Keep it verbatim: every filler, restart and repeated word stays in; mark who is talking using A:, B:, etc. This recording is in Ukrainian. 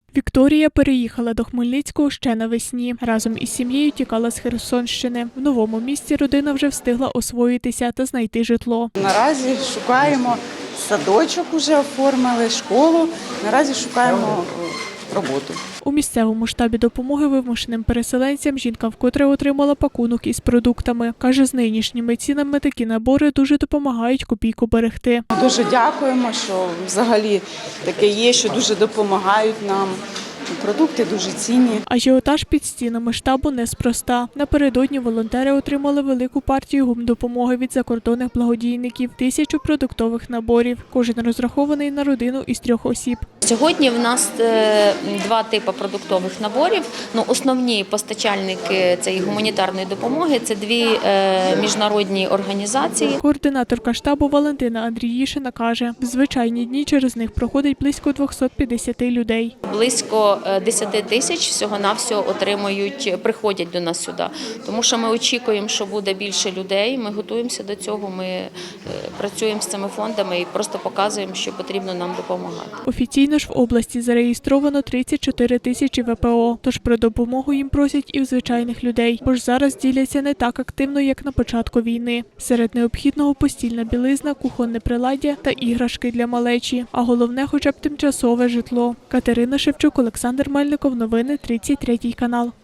A: Вікторія переїхала до Хмельницького ще навесні. Разом із сім'єю тікала з Херсонщини. В новому місті родина вже встигла освоїтися та знайти житло.
B: Наразі шукаємо садочок, уже оформили, школу. Наразі шукаємо роботу.
A: У місцевому штабі допомоги вимушеним переселенцям жінка вкотре отримала пакунок із продуктами. Каже, з нинішніми цінами такі набори дуже допомагають копійку берегти.
B: Дуже дякуємо, що взагалі таке є, що дуже допомагають нам. Продукти дуже цінні.
A: Ажіотаж під стінами штабу неспроста. Напередодні волонтери отримали велику партію гумдопомоги від закордонних благодійників – тисячу продуктових наборів. Кожен розрахований на родину із трьох осіб.
C: Сьогодні в нас два типи продуктових наборів. Ну, основні постачальники цієї гуманітарної допомоги – це дві міжнародні організації.
A: Координаторка штабу Валентина Андріїшина каже, в звичайні дні через них проходить близько двохсот п'ятдесяти людей.
C: Близько десять тисяч всього-навсього отримують, приходять до нас сюди. Тому що ми очікуємо, що буде більше людей, ми готуємося до цього, ми працюємо з цими фондами і просто показуємо, що потрібно нам допомагати.
A: Офіційно ж в області зареєстровано тридцять чотири тисячі ве пе о, тож про допомогу їм просять і в звичайних людей, бо ж зараз діляться не так активно, як на початку війни. Серед необхідного постільна білизна, кухонне приладдя та іграшки для малечі, а головне хоча б тимчасове житло. Катерина Шевчук, Олександр Мельников, новини тридцять третій канал.